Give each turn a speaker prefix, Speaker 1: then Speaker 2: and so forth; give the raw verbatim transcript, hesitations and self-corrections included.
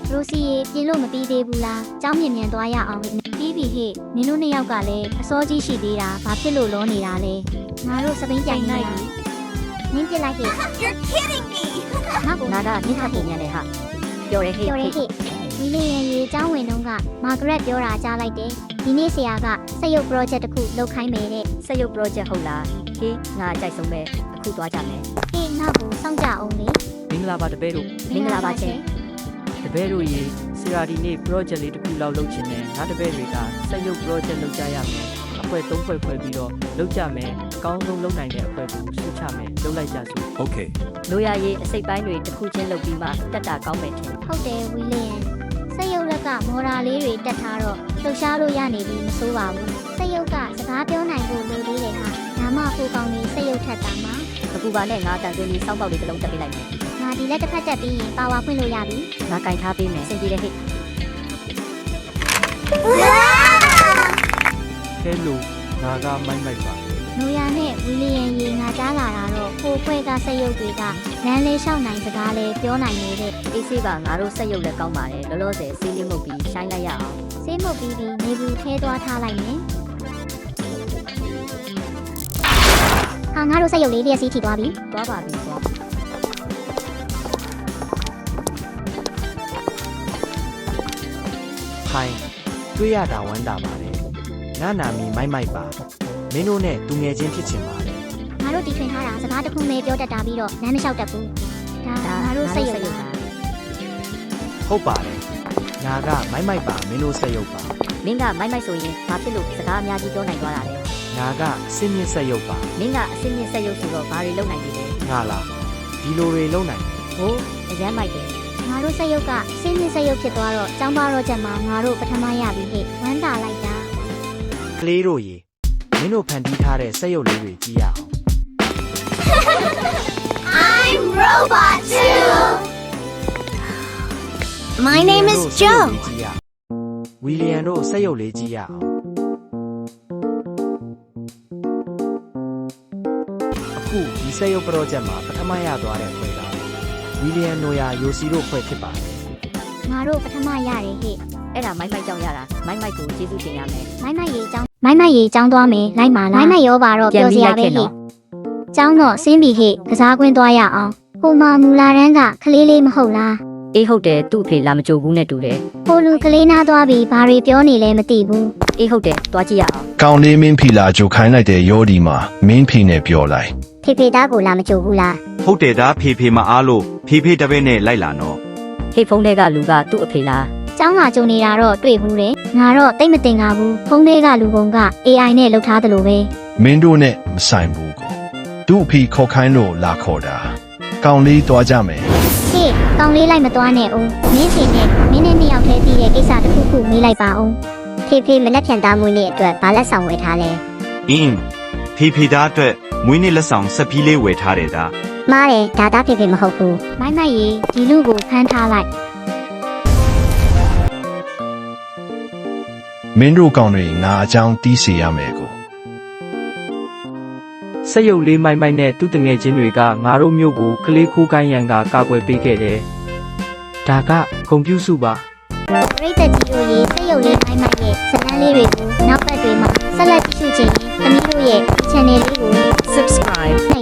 Speaker 1: ရိုစီရေပြင်လို့မပြီးသေးဘူးလား။ကြောင်းမြင်မြန်သွားရအောင်ပြီးပြီဟဲ့။နင်တို့နှစ်ယောက်ကလည်းအစောကြီးရှိသေးတာဘာဖြစ်လို့လောနေတာလဲ။ငါတို့စပိန်ပြိုင်နေလား။နင်းပြလိုက်ဟဲ့
Speaker 2: You're kidding me.
Speaker 1: ငါကနာကနင်းခတ်ပြင်ရတယ်ဟာ။ပြောရဲဟဲ့ပြောရဲဟဲ့။ဝီလီယံရေကျောင်းဝင်တော့ကမာဂရက်ပြောတာကြားလိုက်တယ်။ဒီနေ့ဆရာကစက်ရုပ် project တစ်ခုလုပ်ခိုင်းမယ်တဲ့။စက်ရုပ် project ဟုတ်လား။ဟေးငါကြိုက်ဆုံးပဲအခုသွားကြမယ်။ဟေးငါ့ကိုစောင့်ကြအောင်လေ။
Speaker 3: မင်္ဂလာပါတပည့်တို့
Speaker 1: မင်္ဂလာပါရှင်
Speaker 3: တပည့်တို့ရေဆရာဒီနေ့ project လေးတစ်ခုလောက်လုပ်ချင်တယ်ငါတပည့်တွေကစက်ရုပ် project လုပ်ကြရမယ်အဖွဲ့သုံးဖွဲ့ဖွဲ့ပြီးတော့လုပ်ကြမယ်အကောင်းဆုံးလုပ်နိုင်တဲ့အဖွဲ့ကိုစုချမယ်လုပ်လိုက်ကြစို့
Speaker 4: Okay.
Speaker 5: လိုရရေးအစိတ်ပိုင်းတွေတစ်ခုချင်းလုပ်ပြီးမှတက်တာကောင်းမယ်ထင်
Speaker 1: ဟုတ်တယ်ဝီလီယံစက်ရုပ်လက်ကမော်ရာလေးတွေတက်ထားတော့လှူရှားလို့ရနေပြီမစိုးပါဘူးစက်ရုပ်ကစကားပြောနိုင်ဖို့လိုသေးတယ်ဟာဒါမှကိုကောင်လေးစက်ရုပ်ထက်တာမှာ
Speaker 5: အခုပါနဲ့ငါတန်သွင်းပြီးစောင်းပေါက်လေးတစ်လုံးတက်ပေးလိုက်မယ်
Speaker 1: ငါဒီလက်တစ်ဖက်တက်ပြီးရင်ပါဝါဖွင့်လို့ရပြီ
Speaker 5: ငါကင်ထားပေးမယ်စင်ကြည်တဲ့ဟိတ်
Speaker 3: ကဲလို့ငါကမိုက်မိုက်ပါ
Speaker 1: နိုယာနဲ့ဝီလီယံရေငါကြားလာတာတော့ကိုဖွဲကစက်ရုပ်တွေကလမ်းလေးလျှောက်နိုင်စကားလေးပြောနိုင်နေတဲ့
Speaker 5: အေးဆေးပါငါတို့စက်ရုပ်လည်းကောင်းပါတယ်လောလောဆယ်စီးလေးမှုတ်ပြီးရှိုင်းလိုက်ရအောင်
Speaker 1: ဆေးမှုတ်ပြီးပြီးနေဘူးထဲသွားထားလိုက်မယ်ဟာငါတို့စက်ရုပ်လေးလျက်စီးထိသွားပြီ
Speaker 5: သွားပါပြီသွား
Speaker 4: ဟိုင်းတွေ့ရတာဝမ်းတာပါတယ်ငါနာမည်မိုက်မိုက်ပါမင်းတို့နဲ့သူငယ်ချင်းဖြစ်ချင်ပါတယ်
Speaker 1: ငါတို့တီထွင်ထားတာစကားတစ်ခုပဲပြောတတ်တာပြီးတော့လမ်းမလျှောက်တတ်ဘူးဒါငါတို့စက်ရုပ်လား
Speaker 4: ဟုတ်ပါတယ်ငါကမိုက်မိုက်ပါမင်းတို့ဆက်ရုပ်ပါ
Speaker 5: မင်းကမိုက်မိုက်ဆိုရင်ဘာဖြစ်လို့စကားအများကြီးပြောနိုင်သွားတာလဲ
Speaker 4: ငါကစင်းမြင့်ဆက်ရုပ်ပါ
Speaker 5: မင်းကအစင်းမြင့်စက်ရုပ်ဆိုတော့ဘာတွေလုပ်နိုင်သေးလဲ
Speaker 4: ငါလားဒီလိုတွေလုံးနိုင်တယ်
Speaker 5: ဟိုးအရန်မိုက်တယ်
Speaker 1: ငါတို့စက်ရုပ်ကစင်းမြင့်စက်ရုပ်ဖြစ်သွားတော့ចောင်းပါတော့ချက်မှာငါတို့ပထမရပြီဟဲ့ဝမ်းသာလိုက်တာ
Speaker 4: ကလေးတို့ရေမင်းတို့ဖန်တီးထားတဲ့ဆက်ရုပ်လေးတွေကြည့်ရအောင်
Speaker 2: I'm Robot Two. My name is Joe.
Speaker 4: ဝီလီယံတို့ဆက်ရုပ်လေးကြည့်ရအောင်အခုဒီဆက်ရုပ် project မှာပထမရသွားတဲ့ဖွဲ့ကဝီလီယံနိုယာယိုစီတို့ဖွဲ့ဖြစ်ပါတယ်
Speaker 1: ငါတို့ပထမရတယ်ဟဲ့
Speaker 5: အဲ့ဒါမိုက်မိုက်ကြောင့်ရတာမိုက်မိုက်ကိုကျေးဇူးတင်ရမယ်
Speaker 1: မိုင်းမိုက်ရေចောင်းမိုင်းမိုက်ရေចောင်းသွားမယ်လိုက်ပါလားမိုင်းမိုက်ရောပါတော့ပြောစရာပဲဟဲ့ចောင်းတော့ဆင်းပြီဟဲ့ကစားကွင်းသွားရအောင်ဟိုမှာမူလာတန်းကကလေးလေးမဟုတ်လား
Speaker 5: အေးဟုတ်တယ်သူ့အဖေလာမကြိုဘူးနဲ့တူတယ်
Speaker 1: ဟိုလူကလေးနားသွားပြီးဘာတွေပြောနေလဲမသိဘူး
Speaker 5: အေးဟုတ်တယ်သွားကြည့်ရအောင်
Speaker 6: ကောင်းလေးမင်းဖီလာကြိုခိုင်းလိုက်တဲ့ရောဒီမှာမင်းဖီနဲ့ပြောလိုက်
Speaker 1: ဖေဖေသားကိုလာမကြိုဘူးလား
Speaker 7: ဟုတ်တယ်ဒါဖေဖေမအားလို့ဖေဖေတပည့်နဲ့လိုက်လာနော်
Speaker 5: ဟေ့ဖုန်းထဲကလူကသူ့အဖေလား
Speaker 1: ចောင်းလာကြုံနေတာတော့တွေ့ဘူးတယ်ငါတော့တိတ်မတင်ပါဘူးဖုန်းထဲကလူကုန်က အေးအိုင် နဲ့လှုပ်ထားတယ်လို့ပဲ
Speaker 6: မင်းတို့နဲ့မဆိုင်ဘူးကိုသူ့အဖေခေါ်ခိုင်းလို့လာခေါ်တာကောင်းလေးသွားကြမယ်
Speaker 1: ဟေ့ကောင်းလေးလိုက်မသွားနဲ့ဦးမင်းစီနဲ့မင်းနဲ့နှစ်ယောက်တည်းပြီးတဲ့ကိစ္စတစ်ခုခုမေးလိုက်ပါဦးဖေဖေမလက်ဖြန်သားမွေးနေ့အတွက်ဘာလက်ဆောင်ဝယ်ထားလဲ
Speaker 7: အင်းဖေဖေသားအတွက်မွေးနေ့လက်ဆောင်ဆက်ပြီးလေးဝယ်ထားတယ်ဒါ
Speaker 1: မားတယ်ဒါသားဖေဖေမဟုတ်ဘူးမိုင်းမိုက်ရေဒီလူကိုဖမ်းထားလိုက်
Speaker 6: မင်းတို့ကောင်းတွေငါအကြောင်းတီးစီရမယ်ကို
Speaker 3: စက်ရုပ်လေးမိုက်မိုက်နဲ့သူ့တငယ်ချင်းတွေကငါတို့မျိုးကိုကလေးခိုးကိုင်းရန်ကကာကွယ်ပေးခဲ့တယ်ဒါကဂုံပြူစုပါ
Speaker 1: ပရိသတ်ကြီးတို့ရေစက်ရုပ်လေးမိုင်းမိုက်ရဲ့ဇလန်းလေးတွေကိုနောက်ပတ်တွေမှာဆက်လက်ကြည့်ရှုခြင်းရင်သမီးတို့ရဲ့ channel လေးကို
Speaker 5: subscribe